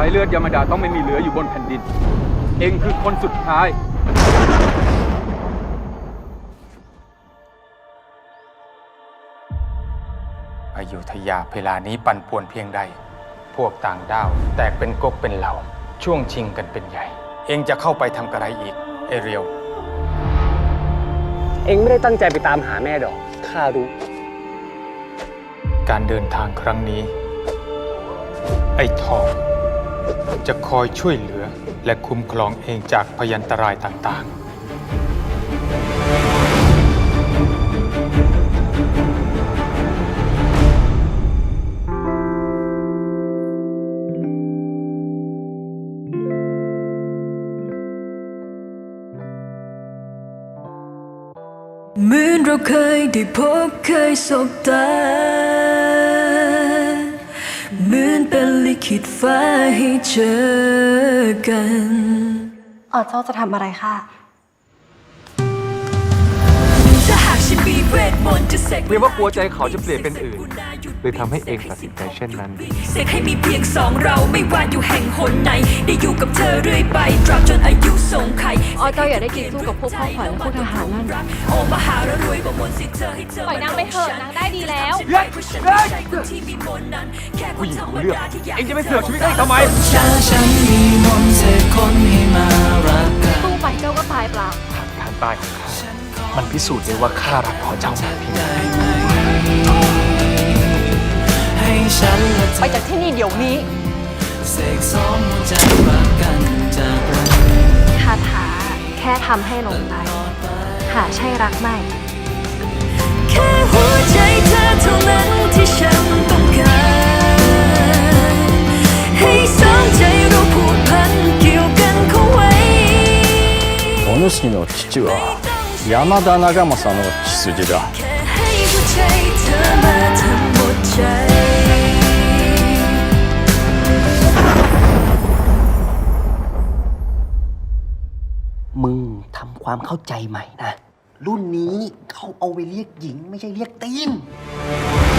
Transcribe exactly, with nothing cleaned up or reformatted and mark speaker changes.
Speaker 1: ายเลือดยามาดาต้องไม่มีเหลืออยู่บนแผ่นดินเองคือคนสุดท้าย
Speaker 2: อยุธยาเวลานี้ปั่นป่วนเพียงใดพวกต่างด้าวแตกเป็นก๊กเป็นเหล่าช่วงชิงกันเป็นใหญ่ เองจะเข้าไปทำกระไรอีกเอเรียว
Speaker 3: เองไม่ได้ตั้งใจไปตามหาแม่ดอกข้ารู้
Speaker 2: การเดินทางครั้งนี้ ไอ้ทองจะคอยช่วยเหลือและคุ้มครองเองจากพยันตรายต่างๆ
Speaker 4: เหมือนเราเคยได้พบเคยสบตาเหมือนเป็นลิขิตฟ้าให้เจอกัน
Speaker 5: อ๋อเจ้าจะทำอะไรคะ
Speaker 4: ถ้าหากฉันมีเวทมนต์จะเสก
Speaker 1: เรียกว่ากลัวใจเขาจะเปลี่ยนเป็นอื่นเลยทำให้เองตัดสินใจเช่นนั้น
Speaker 4: เสกให้มีเพียงสองเราไม่ว่าอยู่แห่งหนไหนได้อยู่กับเธอเรื่อยไปตราบจนอายุทรงไข่
Speaker 5: อ๋อเจ้าอย่าได้กินสู้กับพวกพ่อขวัญและพวกทหารนั่น
Speaker 4: โอ้มหาระรวยประมวลสิทธิ์เธอให้เธอ
Speaker 5: ปล่อยนางไปเถอะนางได้ดีแล้ว
Speaker 1: ผู้หญิงรู้เรื่องเองจะไม่เสือกชีวิตเองทำไม
Speaker 4: ฉันมีมนต์เสกคนให้มารักกัน
Speaker 5: สู้ไปเจ้าก็ตายเปล่า
Speaker 1: การตายของข้ามันพิสูจน์ได้ว่าข้ารักพอเจ้ามากเพียงใด
Speaker 5: ไปจากที่นี่เดี๋ยวนี้คาถาแค่ทำให้หลงไหลหาใช่รักไม่
Speaker 4: แค่หัวใจเธอเท่านั้นที่ฉันต้องการให้สองใจเราผูกพันเกี่ยวกันเข้าไว้
Speaker 6: お主の父は山田長政の血筋だ
Speaker 4: แค่ให้หัวใจเธอมาทำหมดใจ
Speaker 3: มึงทำความเข้าใจใหม่นะรุ่นนี้เขาเอาไปเรียกหญิงไม่ใช่เรียกตีน